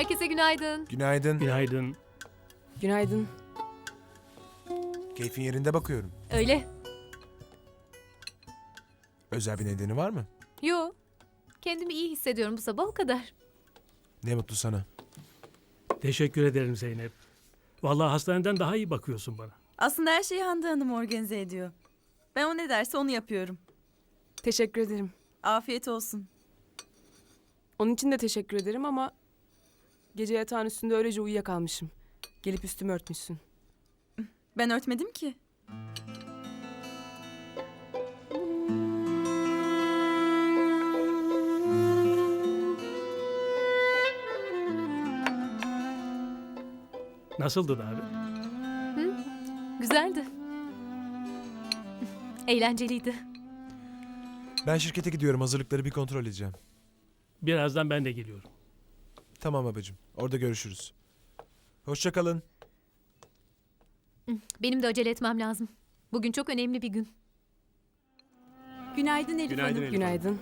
Herkese günaydın. Günaydın. Günaydın. Günaydın. Keyfin yerinde bakıyorum. Öyle. Özel bir nedeni var mı? Yo. Kendimi iyi hissediyorum bu sabah, o kadar. Ne mutlu sana. Teşekkür ederim Zeynep. Vallahi hastaneden daha iyi bakıyorsun bana. Aslında her şeyi Hande Hanım organize ediyor. Ben o ne derse onu yapıyorum. Teşekkür ederim. Afiyet olsun. Onun için de teşekkür ederim ama gece yatağın üstünde öylece uyuyakalmışım. Gelip üstümü örtmüşsün. Ben örtmedim ki. Nasıldı davet? Güzeldi. Eğlenceliydi. Ben şirkete gidiyorum. Hazırlıkları bir kontrol edeceğim. Birazdan ben de geliyorum. Tamam babacığım. Orada görüşürüz. Hoşça kalın. Benim de acele etmem lazım. Bugün çok önemli bir gün. Günaydın Elif Hanım. Günaydın.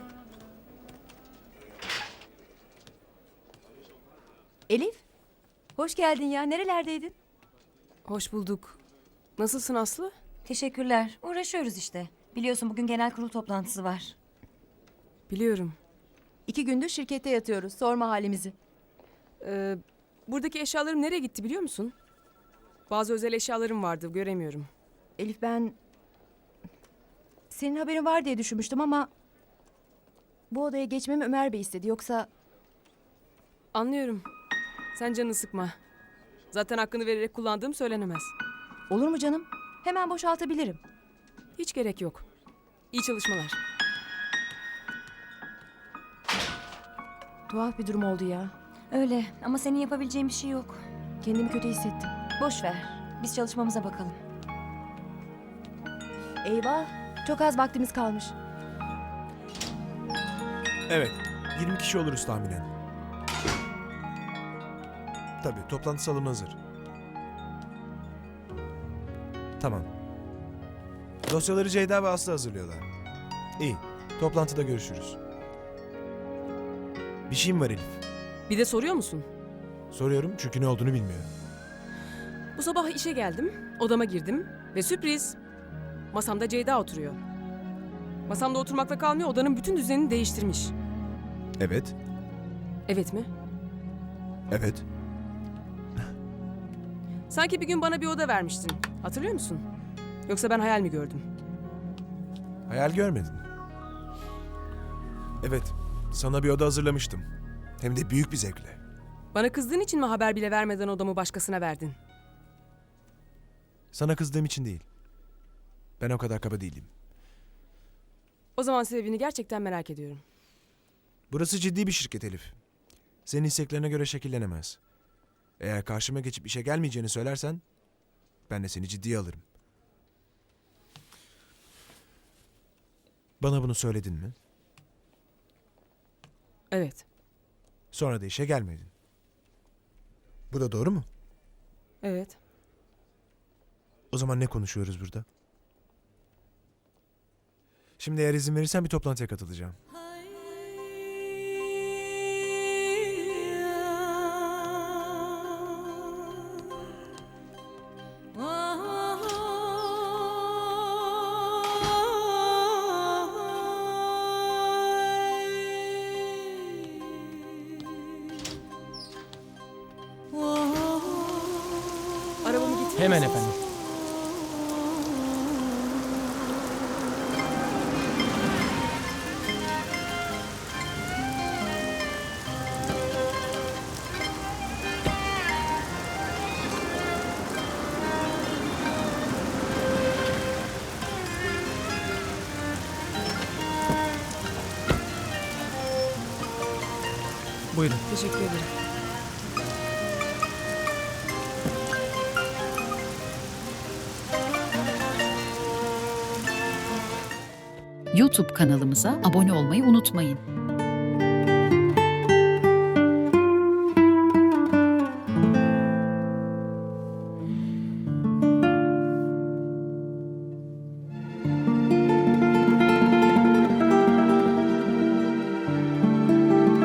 Elif, hoş geldin ya. Nerelerdeydin? Hoş bulduk. Nasılsın Aslı? Teşekkürler. Uğraşıyoruz işte. Biliyorsun bugün genel kurul toplantısı var. Biliyorum. 2 gündür şirkette yatıyoruz. Sorma halimizi. Buradaki eşyalarım nereye gitti biliyor musun? Bazı özel eşyalarım vardı, göremiyorum. Elif ben... Senin haberin var diye düşünmüştüm ama... Bu odaya geçmemi Ömer Bey istedi. Yoksa Anlıyorum. Sen canını sıkma. Zaten hakkını vererek kullandığım söylenemez. olur mu canım? Hemen boşaltabilirim. Hiç gerek yok. İyi çalışmalar. Tuhaf bir durum oldu ya. Öyle ama senin yapabileceğin bir şey yok. Kendimi kötü hissettim. Boş ver. Biz çalışmamıza bakalım. Eyvah, çok az vaktimiz kalmış. Evet. 20 kişi oluruz tahminen. Tabii. Toplantı salonu hazır. Tamam. Dosyaları Ceyda ve Aslı hazırlıyorlar. İyi. Toplantıda görüşürüz. Bir şeyim var Elif. Bir de soruyor musun? Soruyorum çünkü ne olduğunu bilmiyorum. Bu sabah işe geldim, odama girdim ve sürpriz. Masamda Ceyda oturuyor. Masamda oturmakla kalmıyor, odanın bütün düzenini değiştirmiş. Evet. Evet mi? Evet. Sanki bir gün bana bir oda vermiştin. Hatırlıyor musun? Yoksa ben hayal mi gördüm? Hayal görmedin. Evet. Sana bir oda hazırlamıştım. Hem de büyük bir zevkle. Bana kızdığın için mi haber bile vermeden odamı başkasına verdin? Sana kızdığım için değil. Ben o kadar kaba değilim. O zaman sebebini gerçekten merak ediyorum. Burası ciddi bir şirket Elif. Senin isteklerine göre şekillenemez. Eğer karşıma geçip işe gelmeyeceğini söylersen... ...ben de seni ciddiye alırım. Bana bunu söyledin mi? Evet, Sonra da işe gelmedin. Bu da doğru mu? evet. O zaman ne konuşuyoruz burada? Şimdi eğer izin verirsen bir toplantıya katılacağım. Arabamı git. Hemen efendim. Buyurun. Teşekkür ederim. YouTube kanalımıza abone olmayı unutmayın.